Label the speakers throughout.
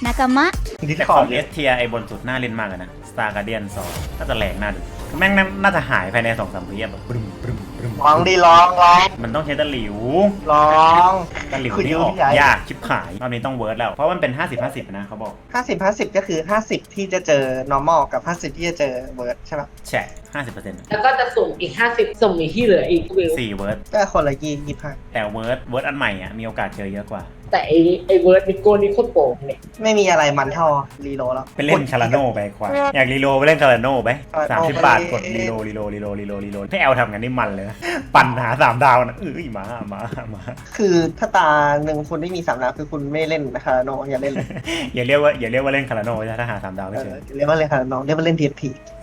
Speaker 1: มะ
Speaker 2: แต่ของเอสเทียไอบนสุดน่าเล่นมากเลยนะ Star Guardian 2น่าจะแรงน่าดูแม่งน่าจะหายภายใน2-3 วิแบบบึ้ม
Speaker 3: ลองดีลอง
Speaker 2: มันต้องใช้ตะหลิว
Speaker 3: ลอง
Speaker 2: ตะหลิวนี่ออกยากชิบหายรอบนี้ต้องเวิร์ดแล้วเพราะมันเป็น50-50นะเขาบอก
Speaker 3: 50 ก็คือ50ที่จะเจอ normal กับ50ที่จะเจอ word ใช่ปะ
Speaker 2: แฉะ50%
Speaker 4: แล้วก็จะสุ่มอีก50สุ่มอีกที่เหลืออีกวิว
Speaker 2: 4เวิร์ด
Speaker 3: ก็คนละ25
Speaker 2: แต่เวิร์ดอันใหม่อ่ะมีโอกาสเจอเยอะกว่า
Speaker 4: แต่ไอเวิร์ดนิโก้นี่โคตรโป่งเนี่ย
Speaker 3: ไม่มีอะไรมันเท่ารีโหลแล้ว
Speaker 2: ไปเล่นคาราโน่ไปกว่าอยากรีโหลไปเล่นคาราโน่ไป
Speaker 3: คาราโน่
Speaker 2: 30 บาทกดรีโหลให้แอลทำกันนี่มันเลยนะปั่นหา3 ดาวนะมา
Speaker 3: คือถ้าตาหนึ่งคุณไม่มี3 ดาวคือคุณไม่เล่นคาราโนอย่าเล่นเลย
Speaker 2: อย่าเรียกว่าเล่นคาราโน่ถ้าหา3 ดาวไม่เจอ
Speaker 3: เรียกว่าเล่นคาราโนเรียกว่าเล่น TFT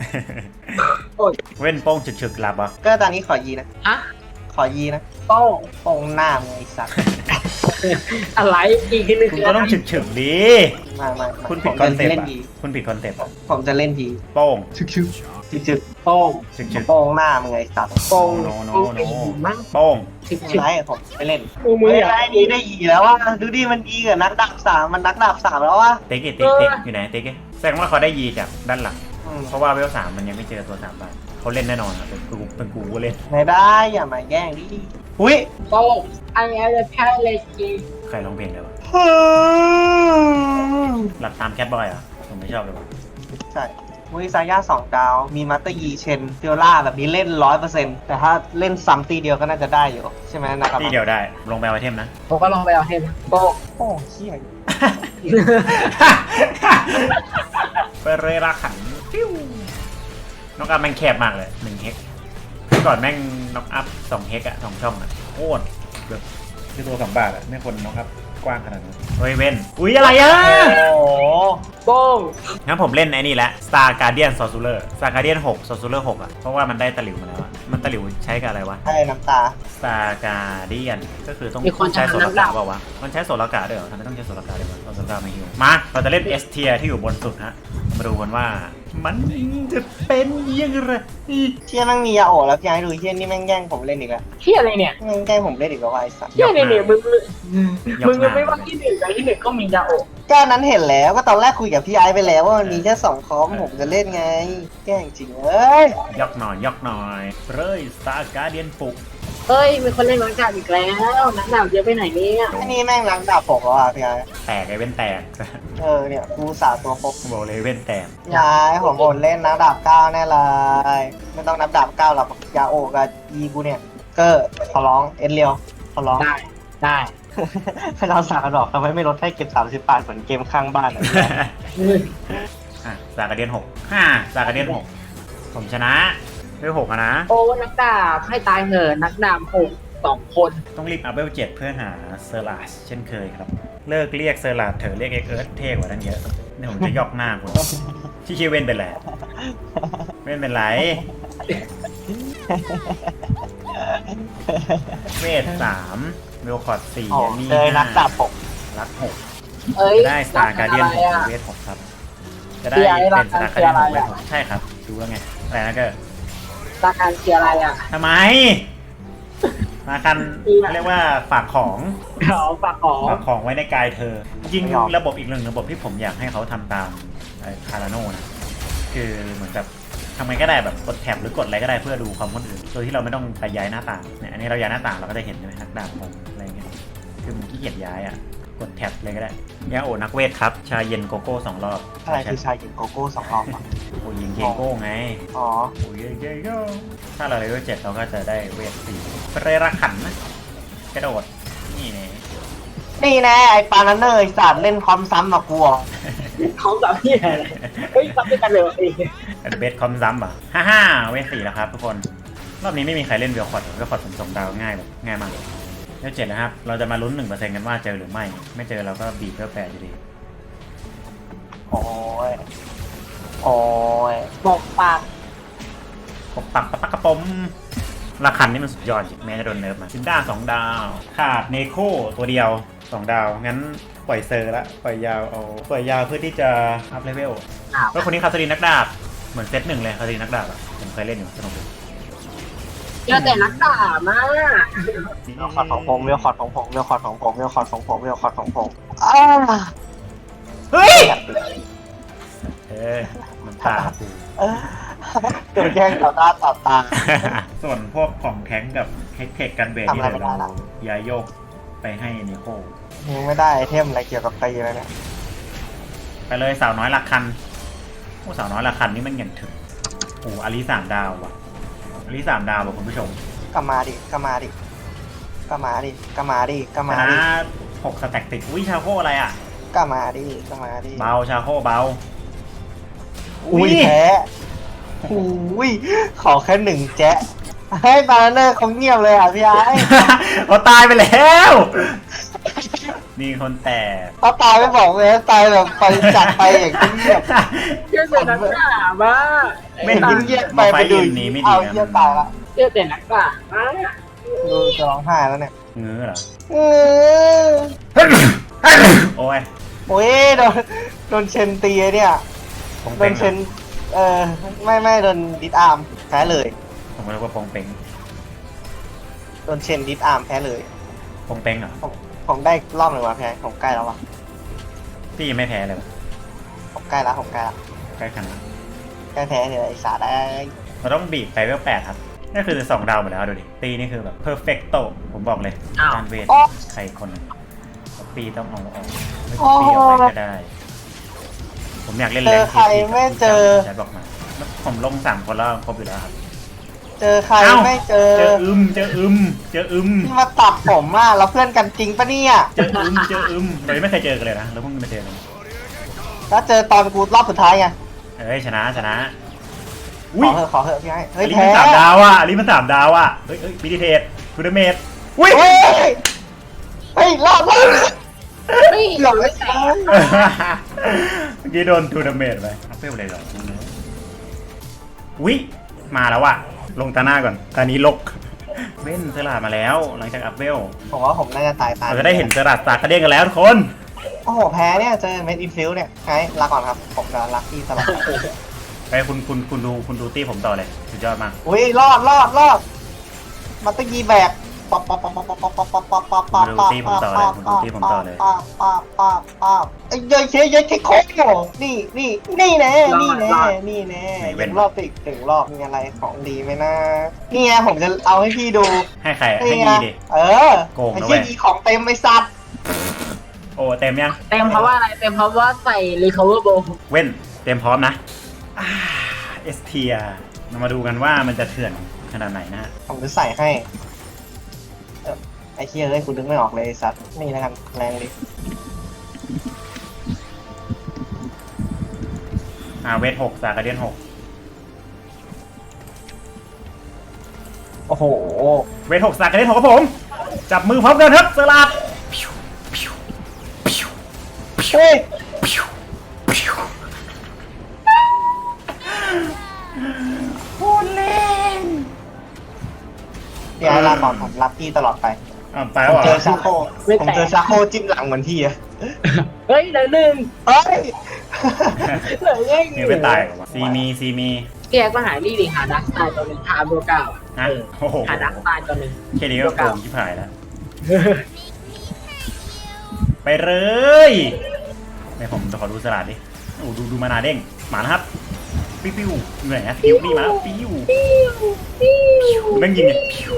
Speaker 2: เว้นโป้งฉึกๆหลับอ่ะ
Speaker 3: ก็ตอนนี้ขอยีนะ
Speaker 4: ฮะ
Speaker 3: ขอยีนะ
Speaker 4: โป้ง
Speaker 3: โป่งหน้ามึงไอ้สัตว์
Speaker 4: อะไรอีกทีนึง
Speaker 2: คุณ
Speaker 4: คือ
Speaker 2: ก็
Speaker 4: อะไร
Speaker 2: ต้องฉึกๆดิ
Speaker 3: มา
Speaker 2: คุณผิดคอนเซ็ปต์
Speaker 3: เล่น
Speaker 2: อ่ะ
Speaker 3: ยี
Speaker 2: คุณผิดคอนเซ็ปต์
Speaker 3: ผมจะเล่นยี
Speaker 2: โป้ง
Speaker 3: ชึกจึก
Speaker 4: โป้ง
Speaker 2: ฉึก
Speaker 3: โป่งหน้ามึงไอ้สัตว์
Speaker 4: โป้ง
Speaker 2: โน
Speaker 4: โป้งไอ้หินมั้ง
Speaker 2: โป้ง
Speaker 4: ชิบ
Speaker 3: ไรผมไม่เล่น
Speaker 4: มืออยาก
Speaker 3: ได้ดีได้ยีแล้วว่าดูดิมันยีกับนักดาบ3มันนักดาบ3แล้ววะ
Speaker 2: เต๊กอยู่ไหนเต๊กแสดงว่าเขาได้ยีจากด้านหลังเพราะว่าเวล3มันยังไม่เจอตัว3 บาทเขาเล่นแน่นอนอ่ะเป็นกูก็เล่น
Speaker 3: ไม่ได้อย่ามาแย่งดิอุ้ย
Speaker 4: โป้งไอ้แพ้เลยจี
Speaker 2: ใครร้องเพลงเลยวะหลับตามแคทบอยอ่ะผมไม่ชอบเลยวะ
Speaker 3: ใช่วิซาย่า2 ดาว มีมาสเตอร์ยีเชนฟิโอล่าแบบนี้เล่น 100%แต่ถ้าเล่นซ้ำตีเดียวก็น่าจะได้อยู่ ใช่ไหมนะครับ
Speaker 2: ที่เดียวได้ลงไปเอาไอเทมนะ
Speaker 4: ผมก็ลองไปเอาเห็นโป้ง
Speaker 3: โอ้เขี้ย
Speaker 2: ไปเรราขันฟิวน็อกอัพแม่งแคบมากเลย1 เฮกก่อนแม่งน็อกอัพ2 เฮกอะ2 ช่องอะโคตรแบบคือตัว2 บาทอะไม่ควรน็อกอัพกว้างขนาดนั้นเฮ้ยเว้นอุ้ยอะไรอะ
Speaker 3: โอ้โห
Speaker 4: โป้ง
Speaker 2: งั้นผมเล่นไอ้นี่แหละ Star Guardian Sorcerer Star Guardian 6 Sorcerer 6อะเพราะว่ามันได้ตะหลิวมาแล้วอะมันตะหลิวใช้กับอะไรวะ
Speaker 3: ให้น้ำตา
Speaker 2: Star Guardian ก็คือต้องใช้โซลกาเปล่าวะมันใช้โซลกาด้วยเหรอทำไมต้องใช้โซลกาด้วยวะโซลกาไม่ฮิวมาเราจะเล่น S tier ที่อยู่บนสุดฮะมาดูกันว่ามันจะเป็นยังไง
Speaker 3: เชี่ยแม่งมียาโอะแล้วพี่ไอ้ดูเชี่ยนี่แม่งแย่งผมเล่นอีกแล้ว
Speaker 4: เที่ยอะไรเนี่ย
Speaker 3: แม่งแย่งผมเล่นอีกแล้ววะไอ้สัส
Speaker 4: เที่ยอะไรเนี่ยมึงไม่ว่าที่หนึ่งแต่ที่หนึ่งก็มียาโอะ
Speaker 3: แก้นั้นเห็นแล้วก็ตอนแรกคุยกับพี่ไอ้ไปแล้วว่ามันมีแค่2 คอมผมจะเล่นไง แย่งจริงเอ้ย
Speaker 2: ยกหน่อยเร่ย Star Guardian ปลุก
Speaker 4: เฮ้ยมีคนเล่นนักดาบอีกแล้วนักดาบเยอะไปไหนเนี่ย
Speaker 3: ไอ้นี่แม่งรังดาบผมแล้วอ่ะพี่ไอ้
Speaker 2: แตกไอ้เว้นแตก
Speaker 3: เนี่ยกูสาตัวครบ
Speaker 2: บอกเลยเว้นแตก
Speaker 3: ยายผมบ่นเล่นนะดาบ9แน่เลยไม่ต้องนับดาบ9หรอกยาโอะกับยีกูเนี่ยเกอร์ขอร้องเอ็นเรียวขอร้อง
Speaker 4: ได้
Speaker 3: ให้เราสากระดอกทำไมไม่ลดให้เก็บ30 บาทเหมือนเกมข้างบ้านอะ
Speaker 2: Star Guardian 6 Star Guardian 6ผมชนะด้วย6อะนะ
Speaker 4: โอ้นักดาบให้ตายเหอะนักดาบ2 คน
Speaker 2: ต้องรีบอัพเวล7เพื่อหาเซอร์ลาสเช่นเคยครับ เลิกเรียกเซอร์ลาสเถอะเรียกเอ็กเอิร์ธเท่กว่านั้นเยอะนี่ผมจะยอกหน้าคุณที่ชื่อเว้นเป็นไรเว้นเป็นไรเวท3เวลคอร์ด4นี่
Speaker 3: เลยนักดาบผม
Speaker 2: รัก
Speaker 4: เอ้ย
Speaker 2: 6ได้ Star Guardian 6เวท6ครับจะได้เป็น Star Guardian 6เวท6ใช่ครับดูแล้วไงอะไรนะก็
Speaker 4: ราคาเชียร์อะไรอ่ะ
Speaker 2: ทำไมมากันเรียกว่าฝากของ
Speaker 4: เขาฝากของ
Speaker 2: ฝากของไว้ในกายเธอ จริงระบบอีกหนึ่งระบบที่ผมอยากให้เขาทำตามคาราโน่นะคือเหมือนกับทำไงก็ได้แบบกดแท็บหรือกดอะไรก็ได้เพื่อดูความคนอื่นโดยที่เราไม่ต้องไปย้ายหน้าต่างเนี่ยอันนี้เราย้ายหน้าต่างเราก็จะเห็นใช่ไหมนักดาบผมอะไรเงี้ยคือมันขี้เกียจย้ายอ่ะกดแท็บเลยก็ได้ยาโอนักเวทครับชาเย็นโกโก้2 รอบ
Speaker 3: อะไรคือชายหญิงโกโก้2 รอบอะ
Speaker 2: โอ้ยิงเกโก้ไง
Speaker 3: อ๋อ
Speaker 2: โอ้ยเกโก้ถ้าเราเลเวล7เราก็จะได้เวท4เรราขันนะกระโดดนี่ไง
Speaker 3: นี่แน่ไอ้ปานันเนอร์ไอ้สัตว์เล่นคอมซ้ำมากลัว
Speaker 4: เขาแบบนี้เฮ้ยทำด้วยกันเลยเอง
Speaker 2: เบสคอมซัมป่ะเวท4แล้วครับทุกคนรอบนี้ไม่มีใครเล่นเวลคอร์ดผมส่งดาวง่ายแบบง่ายมากเวล7นะครับเราจะมาลุ้น 1% กันว่าเจอหรือไม่เจอเราก็บีบเวล8อยู่ดี
Speaker 3: โอ้ย โอ้ย
Speaker 4: บอกปาก
Speaker 2: ปกปักปะปักกระป๋มราคันนี่มันสุดยอดจริงแม้จะโดนเนิร์ฟมาซินด้า2 ดาวขาดเนโคตัวเดียว2 ดาวงั้นปล่อยเซอร์ละปล่อยยาวเพื่อที่จะอัพเลเวลเพราะคนนี้คาสรีนักดาบเหมือนเซต 1เลยคาสรีนักดาบอ่ะผมเคยเล่นอยู่สนุกดี
Speaker 4: เจอแต่นักดาบมาก
Speaker 3: เวลคอร์ดของผมเวลคอร์ดของผมเวลคอร์ดของผมเวลคอร์ดของผมเวลคอร์ดของผม
Speaker 2: เฮ้ยมันตากู
Speaker 3: โดนแย่งต่อหน้าต่อตา
Speaker 2: ส่วนพวกของแท้งกับเทคกันเบส
Speaker 3: ทำ
Speaker 2: นี่
Speaker 3: อะไร
Speaker 2: เดี๋ยว
Speaker 3: ไม่ได้ละ
Speaker 2: ย้ายโยกไปให้นิโค
Speaker 3: ยังไม่ได้ไอเทมอะไรเกี่ยวกับตีเลยเนี่ย
Speaker 2: ไปเลยสาวน้อยหลักคันโอ้สาวน้อยหลักคันนี่มันอย่างถึงโอ้อาลี3 ดาวว่ะอาลี3 ดาวว่ะคุณผู้ชม
Speaker 3: ก็มาดิก็มาดิก็มาดิก็มาดิก็
Speaker 2: ช
Speaker 3: มา
Speaker 2: นะ
Speaker 3: ดิ
Speaker 2: 6 สแต็กติดอุ้ยชาโคอะไรอ่ะ
Speaker 3: ก็มาดิก็มาดิ
Speaker 2: เบาชาโคเบา
Speaker 3: อุ้ยแพ้อุ้ยขอแค่1 แจ๊ะให้บาร์เนอร์เขาเงียบเลยอ่ะพี่ไอ้
Speaker 2: เขาตายไปแล้ว มีคนแต่
Speaker 3: เขาตายไม่บอกเลยตายแบบไปจัดไปอย่างเงียบ
Speaker 4: เชื่อแต่นักด่าบ้า
Speaker 2: ไม่
Speaker 3: เงียบเงียบไปไปดู
Speaker 2: นี้ไม่ดี
Speaker 3: เอาเงียบตายละ
Speaker 4: เชื่อแต่นักด่าบ้า
Speaker 3: ดูจะร้องไห้แล้วเนี่ย
Speaker 2: เงื้อเหรอ
Speaker 3: อือ
Speaker 2: โอ้ย
Speaker 3: โอ้ยโดนเชนตีเนี่ย
Speaker 2: ปง
Speaker 3: โด
Speaker 2: เป้ง
Speaker 3: นเชนไม่โดนดิสอาร์มแพ้เลย
Speaker 2: ผมก็เรียกว่าปงเป้ง
Speaker 3: โดนเชนดิสอาร์มแพ้เลย
Speaker 2: ปงเป้งเหรอ
Speaker 3: ผมได้รอบหนึ่งว่ะแพ้ผมใกล้แล้วว่ะ
Speaker 2: พี่ยังไม่แพ้เลยวะ
Speaker 3: ผมใกล้แล้วผมใกล้แล้ว
Speaker 2: ใกล้ขนาด
Speaker 3: ใกล้แพ้เนี่ยไอ้สาได้
Speaker 2: เราต้องบีบไปเวล8ครับนี่คือ2 ดาวหมดแล้วดูดิตีนี่คือแบบเพอร์เฟกโตผมบอกเลยการเวทใครคนหนึงปีต้องเอาออกไม่ปีออกไปก็ได้ ผมอยากเล่น
Speaker 3: เจ
Speaker 2: แร
Speaker 3: อง ใครไม่เจอ
Speaker 2: ใช้บอกมาผมลง3 คนแล้วครบอยู่แล้วครับ
Speaker 3: เจอใครไม่เจอ
Speaker 2: เจออึม
Speaker 3: ที่มาตัดผมอ่ะเราเพื่อนกันจริงปะเนี่ย
Speaker 2: เจออึมเรายังไม่เคยเจอกันเลยนะเราเพิ่งมาเจอกัน
Speaker 3: แล้วเจอตอนกูรอบสุดท้ายไง
Speaker 2: เอ้ยชนะ
Speaker 3: ข
Speaker 2: อุ้ย
Speaker 3: อเถอะพี่ไอ้เฮ้
Speaker 2: อั
Speaker 3: ย
Speaker 2: นนี้
Speaker 3: แพ้
Speaker 2: มัน3 ดาวอ่ะอันนี้มัน3 ดาวอ่ะเฮ้ยมิดิเทสทูเดเมตอุ้ย
Speaker 3: เฮ้ยรอด
Speaker 4: ไม่
Speaker 3: หลอกเลย
Speaker 2: เมื่อกี้โดนทูเดเมตไปอัพเวลเลยเหรออุ้ยมาแล้วอ่ะลงตาหน้าก่อนตานี้ลกเว้นเซราดมาแล้วหลังจากอัพเวล
Speaker 3: ผมว่าผมน่าจะตาย
Speaker 2: เราจะได้เห็นเซราดสากกระเด้งกันแล้วทุกคน
Speaker 3: โอ้โหแพ้เนี่ยเจอเมดอินฟิลเนี่ยไงลาก่อนครับผมจะรักพี่ตลอด
Speaker 2: ไปคุณดูตี้ผมต่อเลยสุดยอดมาก
Speaker 3: อุ้ยรอดมาตะกี้แบกป๊อปไอ้ยัยเคโค้งนี่แน่ยังรอบติดถึงรอบมีอะไรของดีไหมนะนี่ไงผมจะเอาให้พี่ดู
Speaker 2: ให้ใครให้ดีดิ
Speaker 3: ไอ้ที่ดีของเต็มไอ้สัตว์
Speaker 2: โอ้เต็มยัง
Speaker 4: เต็มเพราะว่าอะไรเต็มเพราะว่าใส่ recover bow
Speaker 2: เว้นเต็มพร้อมนะเอสเทียเรามาดูกันว่ามันจะเถื่อนขนาดไหนนะฮะ
Speaker 3: ผมจะใส่ให้ไอ้เฮียเลยคุณนึกไม่ออกเลยไอ้สัตว์นี่แล้วกันแรงดิ
Speaker 2: เวท6 สากระเดียน
Speaker 3: โอ้โห
Speaker 2: 6 เวท6 สากระเดียน 6ครับผม จับมือพร้อมกันครับสลัด
Speaker 3: เฮ้ย
Speaker 2: โคตรเล่น
Speaker 3: พี่ไอ้ลาก่อนผมรับพี่ตลอดไป
Speaker 2: ไป
Speaker 3: ผม
Speaker 2: วะ
Speaker 3: เจอชาโคจิ้มหลังเหมือนพี่อะ
Speaker 4: เฮ้ยเหลือหนึ่ง
Speaker 3: เฮ้ย
Speaker 4: เหลือยัง
Speaker 2: นี่ไม่ตายหรอวะซีมี
Speaker 4: พี่แอ๊กมาหานี่ดิหาดักสไตล์ตัวหนึ่งหาโบเก้า
Speaker 2: ฮะโอ้โห
Speaker 4: หาดักสไตล์ตัวหนึ่ง
Speaker 2: แค่นี้ก็โกงชิบหายแล้ว ไปเลยให้ผมขอดูสลัดดิโอ้ดูมานาเด้งหมานะครับปิ้วเหนื่อยนะปิ้วนี่มาแล้วปิ้วแม่งยิงเนี่ยปิ้ว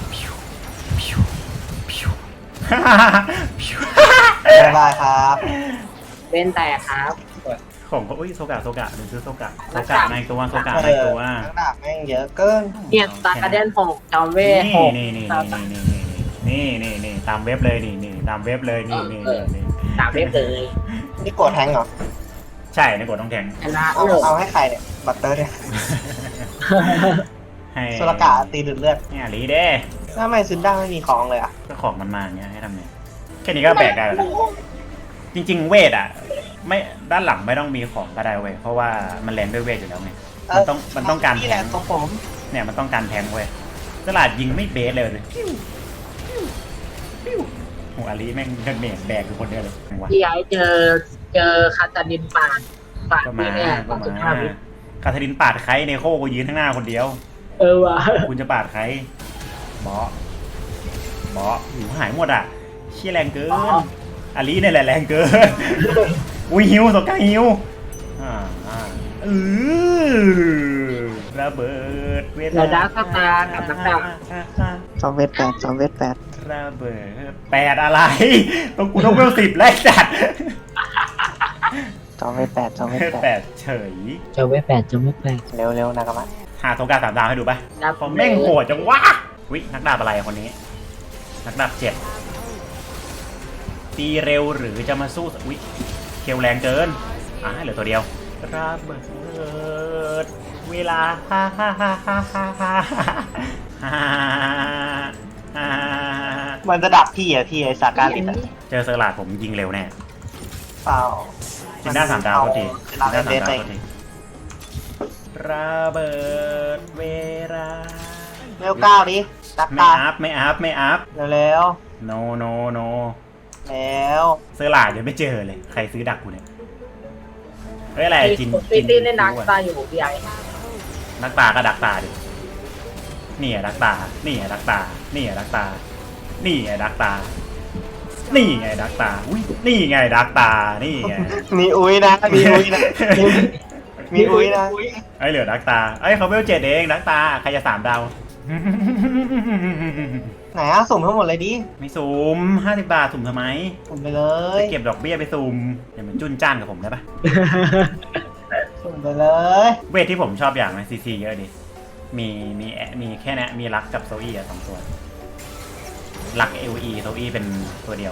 Speaker 3: บ๊ายบายครับ
Speaker 4: เป็นแต่ครับ
Speaker 2: ของก็โซกะดูซื้อโซกะในตัวโซกะในตัว
Speaker 3: นักดาบแม่งเยอะเกิน
Speaker 4: เนี่ยตาการเดน6จอมเวท6
Speaker 2: นี่ตามเว็บเลยนี่ตามเว็บเลยนี่
Speaker 4: ตามเว็บเลย
Speaker 3: นี่กดแทงเหรอ
Speaker 2: ใช่ในกดต้องแทง
Speaker 4: ชนะ
Speaker 3: เอาให้ใครเนี่ยบัตเตอร์เนี่ย
Speaker 2: ให้
Speaker 3: สุรกะตีดุดเลือด
Speaker 2: เนี่ยลีเด้
Speaker 3: ทำไมซึนด้าไม่มีของเลยอ่ะ
Speaker 2: ก็ของมันมาอย่างเงี้ยให้ทำไงแค่นี้ก็แบกได้แล้วนะจริงๆเวทอ่ะไม่ด้านหลังไม่ต้องมีของก็ได้เว้ยเพราะว่ามันแลนด้วยเวทอยู่แล้วไงมันต้องการ
Speaker 3: นี่
Speaker 2: แท
Speaker 3: แหละ
Speaker 2: ง
Speaker 3: ตัวผม
Speaker 2: เนี่ยมันต้องการแทงเว้ยตลาดยิงไม่เบสเลยโหอาลีแม่งเดินเมจแบกอยู่คนเดียวเลย
Speaker 4: พี่ไอ้เจอคาตาดินปาด
Speaker 2: ก็มา
Speaker 4: เนี่ย
Speaker 2: ก็
Speaker 4: สุด
Speaker 2: มา
Speaker 4: ท้าย
Speaker 2: คาทารินปาดใครเนโคก็ยืนข้างหน้าคนเดียว
Speaker 4: ว่ะ
Speaker 2: คุณจะปาดใครบอหูหายหมดอ่ะเชี่ยแรงเกินอาลีเนี่ยแหละแรงเกินอุ้ยหิวสกาหิวระเบิดเว
Speaker 4: เรา
Speaker 2: ลา
Speaker 4: ดาร์คสตาร์กับนักดาบ
Speaker 3: จอมเวทแปดจอมเวทแปด
Speaker 2: ระเบิด8อะไรต้องกูต้องเวล10แล้วจัด
Speaker 3: จอมเวทแปดจอมเวทแปด
Speaker 2: 8เฉย
Speaker 1: จะเวท8จะเวท8
Speaker 3: เร็วๆนะครับ
Speaker 2: หาโทกา3 ดาวให้ดูป่ะ
Speaker 4: ดาบ
Speaker 2: เขาแม่งโหดจังวะวินักดาบอะไรคนนี้ นักดาบ7ตีเร็วหรือจะมาสู้วิเคลแรงเกินเหลือตัวเดียวระเบิดเวลา
Speaker 3: มันจะดับพี่อะพี่ไอสาการิตอะ
Speaker 2: เจอเซอร์ลาดผมยิงเร็วแน่
Speaker 3: เปล่า
Speaker 2: จินด้า3 ดาวก็ที
Speaker 3: เวลา
Speaker 2: จินด้า
Speaker 3: เล่น
Speaker 2: 3
Speaker 3: เด
Speaker 2: ดา
Speaker 3: ท
Speaker 2: วก็ทีระเบิดเวลา
Speaker 3: เร็วก้าวดิตัก
Speaker 2: ไม่
Speaker 3: ตา
Speaker 2: อัพไม่อัพไม่อัพ
Speaker 3: เร็ว
Speaker 2: no no no
Speaker 3: ๆแล้ว
Speaker 2: เซอร์ลาดยังไม่เจอเลยใครซื้อดักกูเนี่ยเฮ้ยอะไรจิน
Speaker 4: ตีตีในนักตาอยู่พี่ไอ้
Speaker 2: นักตาก็ดักตาดินี่ดักตานี่ดักตานี่ดักตานี่ดักตานี่ไงดักตาอุ้ยนี่ไงดักตานี่ไง
Speaker 3: มีอุ้ยนะมีอุ้ยนะมีอุ้ยนะ
Speaker 2: ไอ้เหลือดักตาไอ้เขาเวล7เองดักตาใครจะ3 ดาว
Speaker 3: ไหนอะสุ่มทั้งหมดเลยดิ
Speaker 2: ไม่สุ่ม50 บาทสุ่มทำไม
Speaker 3: สุ่มไปเลย
Speaker 2: จะเก็บดอกเบี้ยไปสุ่มอย่ามันจุนจ้านกับผมได้ปะ
Speaker 3: สุ่มไปเลย
Speaker 2: เวทที่ผมชอบอย่างนะซีซีเยอะดิมีแค่นี้มีรักกับโซอี้อะ2 ตัวรัก LE โซอี้เป็นตัวเดียว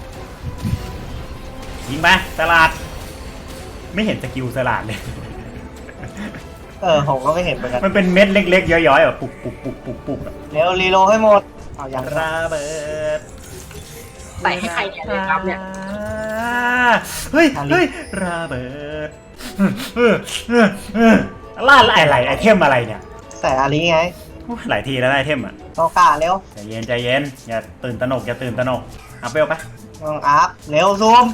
Speaker 2: ยิงไปตลาดไม่เห็นสกิลสลาดเลย
Speaker 3: ผมก็ไม่เห็นเหมือนกัน
Speaker 2: มันเป็นเม็ดเล็กๆย้อยๆแบบปุกปุกปุกปุกปุกแบบ
Speaker 3: เร็วรีโหลดให้หมดเอาอย่าง
Speaker 2: ระเบิด
Speaker 4: ใส่ให้ใครเนี่ยเลยครับเนี่ย
Speaker 2: เฮ้ยระเบิดล่าอะไรไอเทมอะไรเนี่ย
Speaker 3: ใส่อาลีไง
Speaker 2: หลายทีแล้วไอเทมอ่ะ
Speaker 3: โตกาเร็ว
Speaker 2: ใจเย็นใจเย็นอย่าตื่นตระหนกอัพเวลไป
Speaker 3: น้องอัพเร็วซูม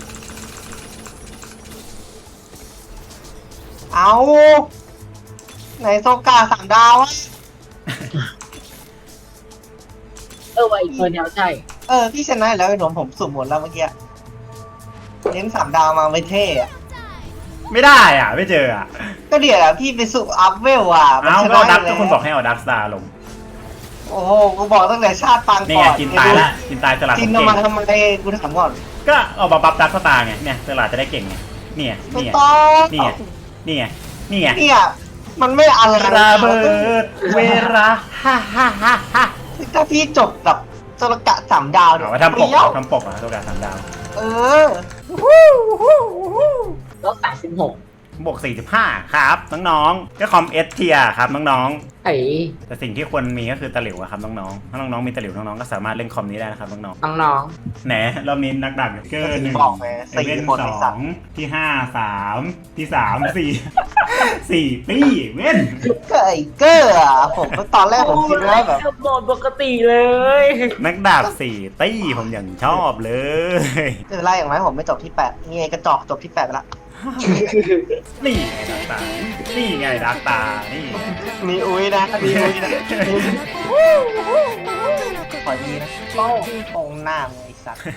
Speaker 3: เอาไหนโซกา3 ดาวอะ
Speaker 4: ไว้อีกคนเดียวใช่
Speaker 3: พี่ชนะแล้วไอ้หนมผมสุ่มหมดแล้วเมื่อกี้เน้น3 ดาวมาไม่เท่อะ
Speaker 2: ไม่ได้อ่ะไม่เจออ่ะ
Speaker 3: ก็เดี๋ยวพี่ไปสุ่มอัพเวลอ่ะมัน
Speaker 2: เอา
Speaker 3: ช
Speaker 2: ก็
Speaker 3: นะ
Speaker 2: ดัก
Speaker 3: อยู่
Speaker 2: ก็
Speaker 3: แล้ว
Speaker 2: คุณบอกให้เอาดักสตาร์ลง
Speaker 3: โอ้โหกูบอกตั้งแต่ชาติปาง
Speaker 2: นี่
Speaker 3: ก่
Speaker 2: ไง
Speaker 3: อน
Speaker 2: จินตายละจินตายสลัด
Speaker 3: จิน
Speaker 2: ผม
Speaker 3: เอา
Speaker 2: เก่
Speaker 3: มาง ทำไมกูถามก่อน
Speaker 2: ก็เอาบัฟดักสตาร์ไงเนี่ยสลัดจะได้เก่งไงนี่ไง
Speaker 3: ไม่
Speaker 2: นี่ไง
Speaker 3: ต้อง
Speaker 2: นี่ไงนี่ไงนี่ไง
Speaker 3: เนี่ยมันไม่อะไร
Speaker 2: ระเบิดเวลา
Speaker 3: ถ้าพี่จบกับโซลกะ3 ดาวเนี่ย
Speaker 2: เอามาทำปก
Speaker 3: เปรี้ยว
Speaker 2: ทำปกอ่ะตัวการ3 ดาว
Speaker 3: เออ
Speaker 4: แล้ว36
Speaker 2: บวก45ครับน้องๆก็คอมเอสเทียครับน้อง
Speaker 4: ไอ้
Speaker 2: ๆแต่สิ่งที่ควรมีก็คือตะหลิวอะครับน้องๆถ้าน้องๆมีตะหลิวน้องๆก็สามารถเล่นคอมนี้ได้นะครับน้อง
Speaker 4: น้อง
Speaker 2: ๆแหนรอบนี้นักดักเกอร์1
Speaker 3: บอกไง
Speaker 2: เอเว่น
Speaker 3: 4 คนไอ้สัตว์
Speaker 2: 2ที่5 3ที่3 4ตี้เว้น
Speaker 3: ก็ไอ้เกอร์อ่ะผมก็ตอนแรกผมคิดว่าแบบ
Speaker 4: โหมดปกติเลย
Speaker 2: นักดาบ4ตี้ผมอย่างชอบเลย
Speaker 3: ไม่เป็นไรอย่างไรผมไม่จบที่8นี่ไงกระจอกจบที่8ไปละ
Speaker 2: นี่ไงดักตานี่ไงดักตานี่
Speaker 3: มีอุ้ยนะมีอุ้ยนะขอดีนะโป้งหน้ามึงไอ้สัตว์